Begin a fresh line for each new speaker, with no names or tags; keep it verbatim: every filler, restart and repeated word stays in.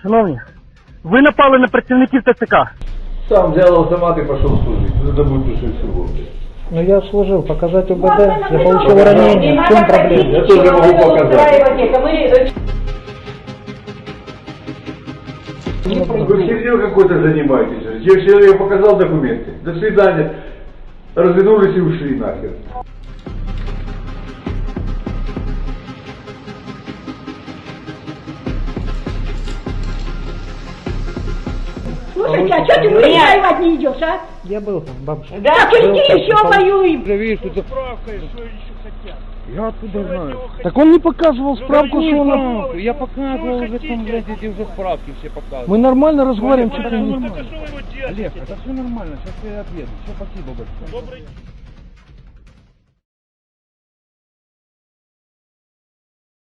Шановні, ви напали на працівників ТЦК.
Сам взял автомат и пошел служить. Это будет тушить всего.
Ну я служил, показать УБД, я получил ранение, в чем проблема?
Я тоже могу показать. Вы серьезно какой-то занимаетесь? Я человек показал документы. До свидания. Развернулись и ушли нахер.
Слушайте, а что ты в лес воевать не идешь, а?
Я был там, бабушка.
Да, так иди еще воюем.
Уже видишь, тут справка, что еще хотят. Я откуда знаю?
Так он не показывал справку, что он...
Справку. Я показывал уже там, блядь, эти уже справки все показывали.
Мы нормально разговариваем, что ты не...
Олег, это все нормально, сейчас я отъеду. Все, спасибо большое.
Добрый.